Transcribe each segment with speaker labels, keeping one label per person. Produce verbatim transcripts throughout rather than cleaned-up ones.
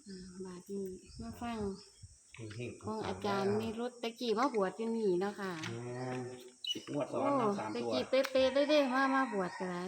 Speaker 1: อ่าบาดนี้มาฟัง
Speaker 2: เฮง
Speaker 1: ของอาจารย์นิรุตตะกี้มาบวชอยู่นี่เนาะค่ะ
Speaker 2: สิบงวดซ้อ
Speaker 1: โอ้
Speaker 2: นนะสาม
Speaker 1: ตะ
Speaker 2: ตัว
Speaker 1: กี้เป๊ะๆเลยเด้มามาบวชกันไร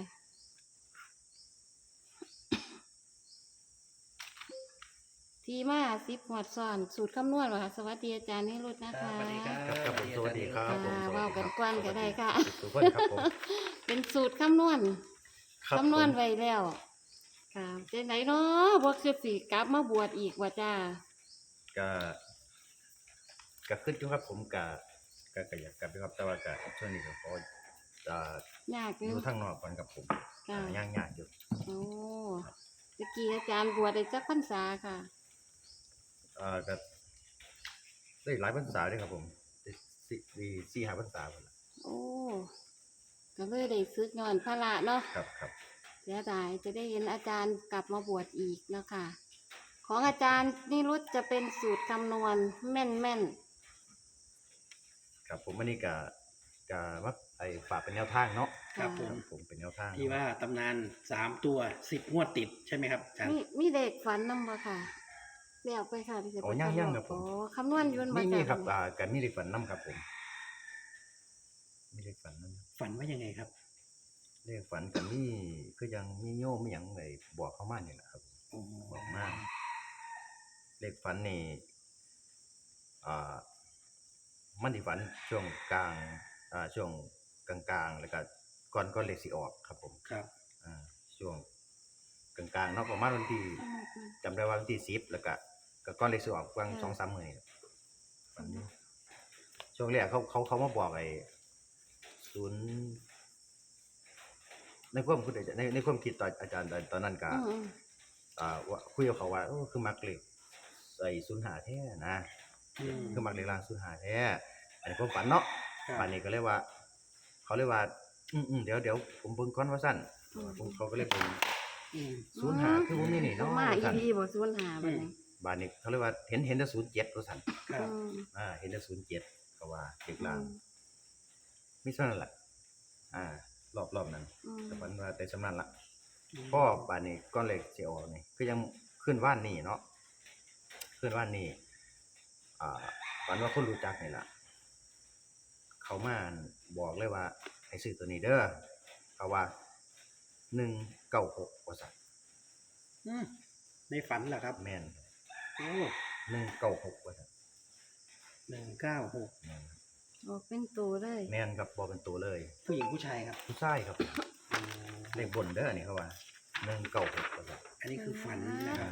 Speaker 1: ที่มาสิบหวดซ้อนสูตรคำนวณว่ะค่ะสวัสดีอาจารย์นิรุตนะคะ
Speaker 2: สวัสดีครับ
Speaker 3: ครับผมสวัสดีครับผม
Speaker 1: อ่า
Speaker 3: สวัส
Speaker 1: เว้า
Speaker 3: ดีค
Speaker 1: กั
Speaker 3: รั
Speaker 1: น
Speaker 3: บ
Speaker 1: กวนก็ได้ค่ะ
Speaker 3: ทุกคนครับผม
Speaker 1: เป็นสูตรคำนวณ
Speaker 3: ครับ
Speaker 1: คำนวณ
Speaker 3: ผม
Speaker 1: ไว้แล้ว ค่ะเจ๊ไหนเนาะบวกคือสีกลับมาบวชอีกว่าจ้า
Speaker 3: ก็ก็ขึ้นอยู่ครับผมก็ก็ก็อยากกลับไปครับแต่ว่าก็ช่วงนี้ก็ขอจะ
Speaker 1: ยากอ
Speaker 3: อยู่ ยู่ทางนอกก่อนครับผม
Speaker 1: ค่ะ
Speaker 3: ย่างยากอยู่
Speaker 1: โอ้ตะกี้อาจารย์บวชได้จักพรรษาค่ะ
Speaker 3: เอ่อก็ได้หลายพรรษาด้วยครับผมได้สี่สี่สี่ห้าพรรษาหมดละ
Speaker 1: โอ้ก็เลยได้ซึกย้อนพระละเนาะ
Speaker 3: ครับครับ
Speaker 1: เสียดายจะได้เห็นอาจารย์กลับมาบวชอีกเนาะค่ะ ของอาจารย์นิรุตจะเป็นสูตรคำนวณแม่นแม่น
Speaker 3: ครับผมอันนี้ก็ก็ว่าไอ้ฝากเป็นแนวทางเนาะ
Speaker 2: ครับผม
Speaker 3: ผมเป็นแนวทาง
Speaker 2: ที่ว่าตำนานสามตัวสิบงวดติดใช่ไหมครับอาจารย์
Speaker 1: มีมีเด็กฝันนำบ่ค่ะเรียกไปค่ะที่จะ
Speaker 3: โอ้ย่างย่างครับผม
Speaker 1: โอ้คำนวณอยืน
Speaker 3: มีมีครับ
Speaker 1: จ้ะ
Speaker 3: อ่ากันมีเด็กฝันน้ำครับผมมีเด็กฝันน้ำ
Speaker 2: ฝันว่ายังไงครับ
Speaker 3: เลขฝันกันนี่คือยังมีโยมมีหยังไงบอกเข้ามาเนี่ยแหละครับ
Speaker 2: อ๋อ
Speaker 3: บอกมาเลขฝันนี่อ่ามันที่ฝันช่วงกลางอ่าช่วงกลางๆแล้วก็ก่อนก่อนเลขสิออกครับผม
Speaker 2: ครับ
Speaker 3: อ่าช่วงกลางๆเนาะประมาณวันที่จำได้ว่าวันที่สิบแล้วก็ก็ก่อนเลขสิออกกลางสองสามมื้อนี่ฝันอยู่ช่วงแรกเขาเขาเขามาบอกไอ้ศูนย์ในความคิดในในความคิดตอนอาจารย์ตอนตอนนั้นก็
Speaker 1: อืม
Speaker 3: อ่าว่าคุยกับเขาว่าโอ้คือมักเล็กใส่ศูนย์หาแท้นะ
Speaker 2: อืม
Speaker 3: คือมักเล็กล่างศูนย์หาแท้อันนี้ผมฝันเนาะ
Speaker 2: ครับ
Speaker 3: ฝันนี้ก็เลยว่า เขาเลยว่า อืมอืมเดี๋ยวเดี๋ยวผมเบิ่งก่อนว่าสั้น
Speaker 1: อืม
Speaker 3: ผมเขาก็เลยเบิ่ง
Speaker 2: อืม
Speaker 3: ศูนย์หาคือผมนี่นี่
Speaker 1: ต้อ
Speaker 3: เนาะ
Speaker 1: งมาอี
Speaker 3: สั้น
Speaker 1: พีบ่ศูนย์หาบัดนี้
Speaker 3: บานนี้เขาเลยว่าเห็นเห็นแต่ศูนย์เจ็ดว่าสั้น
Speaker 2: ครับ
Speaker 1: อืม
Speaker 3: อ่าเห็นแต่ศูนย์เจ็ดก็ว่าเล็ก
Speaker 1: อื
Speaker 3: ล่าง
Speaker 1: ม
Speaker 3: ไม่ใช่นั่นแหละอ่ารอบรอบนั้น
Speaker 1: อืม
Speaker 3: แต่ฝันว่าแต่สำนันละพ่อบานนี้ก้อนเหล็กสิออกนี่คือยังขึ้นว่านนี่เนาะขึ้นว่านนี่อ่าฝันว่าคนรู้จักนี่ล่ะเขามาบอกเลยว่าให้ซื้อตัวนี้เด้อเขาว่าหนึ่งเก้าหกว่าสัตว์
Speaker 2: อืมในฝันเหรอครับ
Speaker 3: แม่น
Speaker 2: โอ้
Speaker 3: หนึ่งเก้าหกว่าสัตว์
Speaker 2: หนึ่งเก้าหก
Speaker 3: แม่น
Speaker 1: ออกเป็นตัวเลย
Speaker 3: แม่นครับบอกเป็นตัวเลย
Speaker 2: ผู้หญิงผู้ชายครับ
Speaker 3: ผู้ชายครับเลขบนเด้อนี่เขาว่าหนึ่งเก้าหกว่าสัตว์
Speaker 2: อันนี้คือฝันนะครับ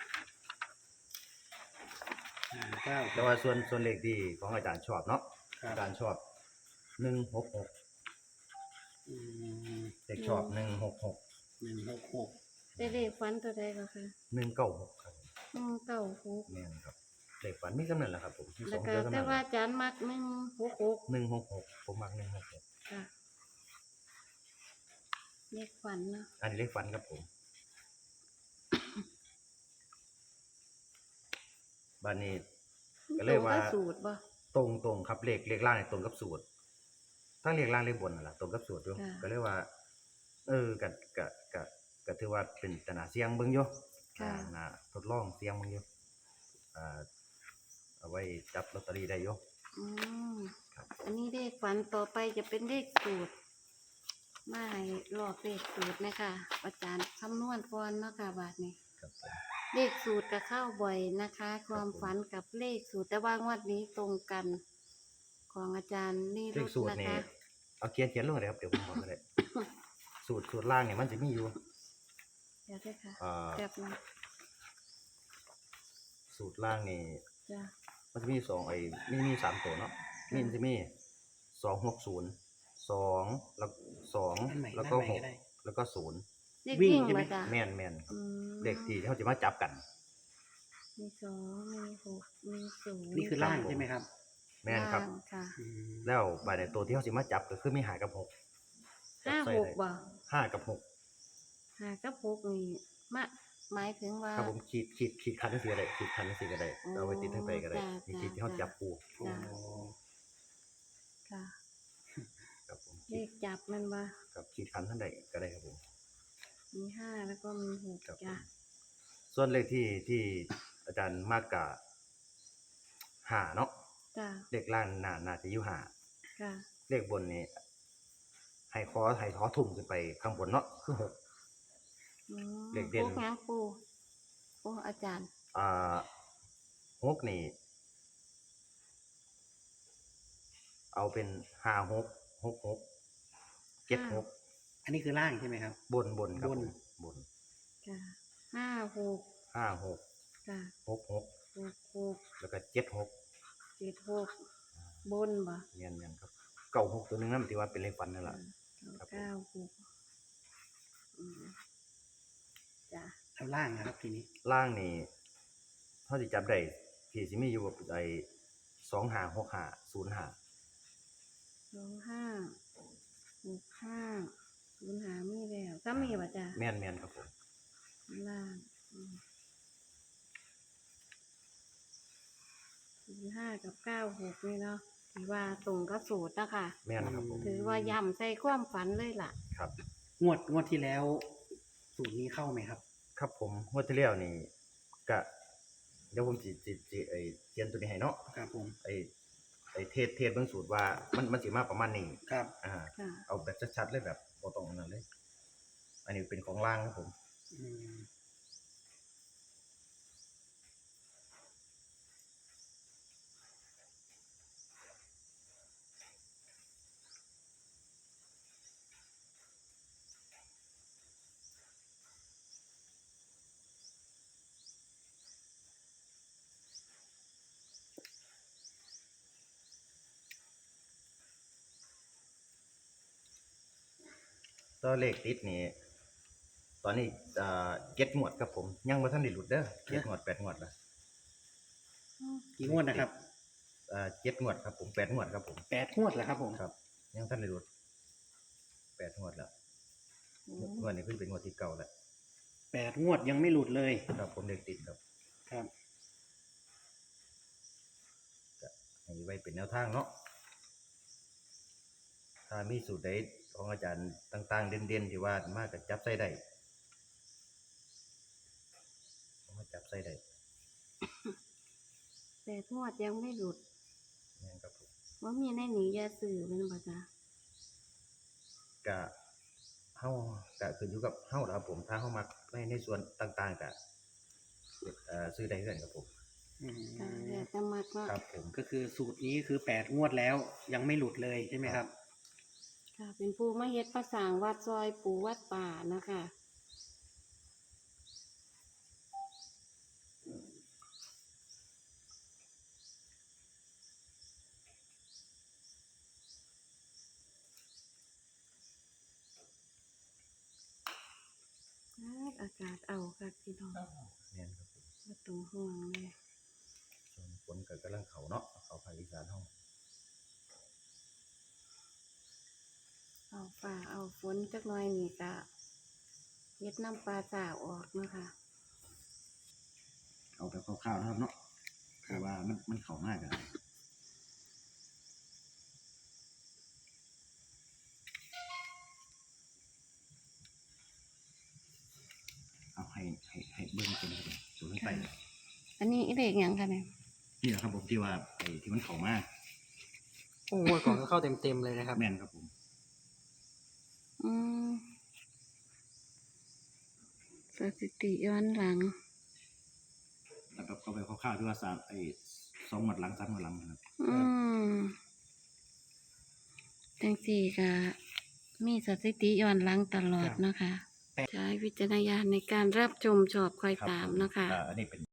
Speaker 3: อ่า
Speaker 2: หนึ่งเก้า
Speaker 3: แต่ว่าส่วนส่วนเลขที่ของอาจารย์ชอบเนาะ
Speaker 2: ครับ
Speaker 3: อาจารย์ชอบหนึ่งหกหก
Speaker 2: อืม
Speaker 3: เลขชอบหนึ่งหกหก
Speaker 2: หนึ่งหกหก
Speaker 1: ได้เลขฝันตัวใดก็ค่ะ
Speaker 3: หนึ่งเก้าหกครับ
Speaker 1: อืมเก้าหก
Speaker 3: แม่นครับเลขฝันมีกำเนิดแหละครับผมมีส
Speaker 1: แล้ว
Speaker 3: อง
Speaker 1: ก็
Speaker 3: เดือนกำ
Speaker 1: แต่
Speaker 3: เนิด
Speaker 1: ว่าอาจารย์มักหนึ่งหกหก
Speaker 3: หนึ่งหกหกผมมักหนึ่งหกหก
Speaker 1: ค่ะเลขฝันเนาะ
Speaker 3: อันนี้เลขฝันครับผมบ้านนี้ ก็เลยว่า
Speaker 1: ตรงกับสูตรบ่
Speaker 3: ตรงตรงครับเลขเลขล่างเนี่ยตรงกับสูตรทั้งเลขล่างเลขบนนั่นแหละตรงกับสูตรอยู่
Speaker 1: ค่ะ
Speaker 3: ก็เลยว่า เออก็ก็ก็ก็ถือว่าเป็นตนาเสียงเบิ่งอยู่
Speaker 1: ค่ะ
Speaker 3: อ่าน่าทดลองเสียงเบิ่งอยู่อ่าเอาไว้จับลอตเตอรี่ได้อยู่
Speaker 1: อืม
Speaker 3: ครับ
Speaker 1: อันนี้เลขฝันต่อไปจะเป็นเลขสูตรมาให้ลอกเลขสูตรนะคะอาจารย์คำนวณก่อนเนาะค่ะบาทนี้
Speaker 3: ครับผม
Speaker 1: เลขสูตรก็เข้าบ่อยนะคะ ความฝันกับเลขสูตรแต่ว่างวดนี้ตรงกัน ของอาจารย์นี่
Speaker 3: เล
Speaker 1: รุ
Speaker 3: ข
Speaker 1: ด
Speaker 3: สูตร
Speaker 1: นะ
Speaker 3: นี่
Speaker 1: คะ
Speaker 3: เอาเขียนเขียนลงเลยครับเดี๋ยวผมบอกก็ได้ สูตรสูตรล่างเนี่ยมันจะมีอยู่
Speaker 1: เดี๋ยวด้วยค่ะ
Speaker 3: อ่า
Speaker 1: แบบนึง
Speaker 3: สูตรล่างนี่
Speaker 1: จ้ะ
Speaker 3: มันจะมีสองไอ้มีมีสามตัวเนาะมีมันจะมีสองหกศูนย์สองแล้วสอง
Speaker 2: อันใหม่
Speaker 3: แล้วก็
Speaker 2: อันให
Speaker 3: ห
Speaker 2: ม่
Speaker 3: ก
Speaker 2: ได้
Speaker 3: แล้วก็ศูนย์
Speaker 1: เลข
Speaker 2: วิ่ง
Speaker 1: วิ่ง
Speaker 2: ใช่ไหม
Speaker 1: มาจ้ะ
Speaker 3: แม่นแม่นครับ
Speaker 1: อืม
Speaker 3: เลขที่เขาจะมาจับกัน
Speaker 1: มีสองมีหกมีศูนย์
Speaker 2: นี่คือล่างใช่ไหมครับ
Speaker 3: แม่นครับ
Speaker 1: ล่างค่ะ
Speaker 2: อืม
Speaker 3: แล้วใบในตัวที่เขาจะมาจับก็คือมีหากับหก
Speaker 1: ห้า
Speaker 3: จับใส่
Speaker 1: หก
Speaker 3: ได้
Speaker 1: บ่
Speaker 3: ห้ากับหก
Speaker 1: ห้ากับหกนี่มาหมายถึงว่า
Speaker 3: ถ้าผมขีดขีดขีดคันสีก็ได้ขีดคันสีก็ได้
Speaker 1: อ๋อ
Speaker 3: เอาไว้ติดทั้งไปก็ได้
Speaker 1: จ้ะ
Speaker 3: มีขีดที่เขา
Speaker 1: จ้ะ
Speaker 3: จับปู
Speaker 2: โอ้
Speaker 1: ค่ะ
Speaker 3: ครับผม
Speaker 1: เลขจับมันว่า
Speaker 3: กับขีดคันทั้งใดก็ได้ครับผม
Speaker 1: มีห้าแล้วก็มีหก
Speaker 3: ครับผ
Speaker 1: จ้ะ
Speaker 3: มส่วนเลขที่ที่อาจารย์มากกะหาเนาะ
Speaker 1: จ้ะ
Speaker 3: เลขล่างน่าน่าจะอยู่หา
Speaker 1: ค่ะ
Speaker 3: เลขบนนี่ให้ขอให้ขอทุ่มขึ้นไปข้างบนเนาะคือหก
Speaker 1: อืม
Speaker 3: เลขเด่น
Speaker 1: พวกหยังปูโอ้อาจารย์
Speaker 3: อ่าหกนี่ เอาเป็นห้าหกหกหกเจ็ดหก
Speaker 2: อันนี้คือล่างใช่ไหมครับ
Speaker 3: บนบนครับ
Speaker 2: บน
Speaker 3: ผมบน
Speaker 1: จ้ะห้าหก
Speaker 3: ห้าหก
Speaker 1: จ้ะ
Speaker 3: หกหก
Speaker 1: หกหก
Speaker 3: แล้วก็เจ็ดหก
Speaker 1: เจ็ดหกบนบ่
Speaker 3: เนียนเนียนครับเก้าหกตัวหนึงนั่นถือว่าเป็นเลขฟันนั่นแหละ ครับผม
Speaker 1: เก้าหกอืมจ้ะ
Speaker 2: แล้วล่างนะครับทีนี้
Speaker 3: ล่างนี่เท่าที่จับได้ที่สิมีอยู่กับไอ้สองหาหกหาศูนย์หา
Speaker 1: สองห้าหกห้าศูนย์หามีแล้วซ้ำมีบ่จ้ะ
Speaker 3: แม่นแม่นครับผม
Speaker 1: ล่างอืมศูนย์ห้ากับเก้าหกนี่เนาะถือว่าตรงกับสูตรนะคะ
Speaker 3: แม่นครับผม
Speaker 1: ถือว่าย่ำใส่ความฝันเลยล่ะ
Speaker 3: ครับ
Speaker 2: งวดงวดที่แล้ว สูตรนี้เข้าไหมครับ
Speaker 3: ครับผมงวดที่แล้วนี่ก็เดี๋ยวผมสิสิสิไอ้เขียนตัวนี้ให้เนาะ
Speaker 2: ครับผม
Speaker 3: ไอ้ไอ้เทศเทศเบิ่งสูตรว่ามันมันสิมาประมาณนี้
Speaker 2: ครับ
Speaker 3: อ่า
Speaker 1: ค่ะ
Speaker 3: เอาแบบชัดๆเลยแบบบ่ต้องอันนั้นเลย อันนี้เป็นของล่างครับผม
Speaker 2: อืม
Speaker 3: ตัวเลขติดนี่ตอนนี้อ่าเจ็ดงวดครับผม ยังบ่ทันได้หลุดเด้อเจ็ดงวดแปดงวดละ
Speaker 2: กี่งวดนะครับ
Speaker 3: อ่าเจ็ดงวดครับผมแปดงวดครับผม
Speaker 2: แปดงวดเหรอครับผม
Speaker 3: ครับ ยังทันได้หลุดแปดงวดแล้ว
Speaker 1: อืม
Speaker 3: งวดนี้ขึ้นเป็นงวดที่เก้าแล้ว
Speaker 2: แปดงวดยังไม่หลุดเลย
Speaker 3: ครับผมเลขติดครับ
Speaker 2: ครับ
Speaker 3: ให้ไว้เป็นแนวทางเนาะถ้ามีสูตรใดของอาจารย์ต่างๆ เด่นๆที่ว่ามาก็จับใส่ได้เอามาจับใส่ได้
Speaker 1: แต่ทวดยังไม่หลุด
Speaker 3: แม่นครับผม
Speaker 1: ว่ามีในหนียาสื่อเป็นบ่จ้ะ
Speaker 3: กะเฮากะขึ้นอยู่กับเฮาล่ะครับผม ถ้าเฮามักในในส่วนต่างๆกะเอ่อซื้อได้เรื่อนครับผม
Speaker 2: อืม
Speaker 1: จ้ะแต่จะมักเนาะ
Speaker 3: ครับผม
Speaker 2: ก็คือสูตรนี้คือแปดงวดแล้ว ยังไม่หลุดเลยใช่ไหมครับ
Speaker 1: ค่ะ เป็นผู้มาเฮ็ดประสางวัดซอยปู่วัดป่านะคะ อากาศเอาค่ะพี่น้อง
Speaker 3: แม่นครับผม
Speaker 1: บ่ต้องห่วงเลย
Speaker 3: ส่วนฝนก็กำลังเข้าเนาะเข้าภาคอีสานเฮา
Speaker 1: เอาป่าเอาฝนจักหน่อยนี่ก็เฮ็ดน้ำปลาสาวออกเนาะคะ
Speaker 3: เอาแบบคร่าวๆนะครับเนาะคือว่ามันมันเข้ามากอะเอาให้ให้ให้เบิ่งตัวนี้ครับตัวนี้ไป
Speaker 1: อันนี้เลขหยังคะเนี่ย
Speaker 3: นี่แหละครับผมที่ว่าไอ้ที่มันเข้ามา
Speaker 2: โอ้งวดก่อนก็เข้าเต็มๆเลยนะครับ
Speaker 3: แม่นครับผม
Speaker 1: อืมสถิติย้อนหลัง
Speaker 3: แล้วแบบเอาไปคร่าวๆที่ว่าสามไอ้สองหมดหลังสามหมดหลังนะครับ
Speaker 1: อืมจังสี่ก็มีสถิติย้อนหลังตลอด
Speaker 2: ครับ
Speaker 1: เนาะคะ
Speaker 2: แปด
Speaker 1: ใช้วิจารณญาณในการรับชมชอบคอย
Speaker 3: ครับ
Speaker 1: ตาม
Speaker 3: ผม
Speaker 1: เนาะคะ
Speaker 3: อ่าอันนี้เป็น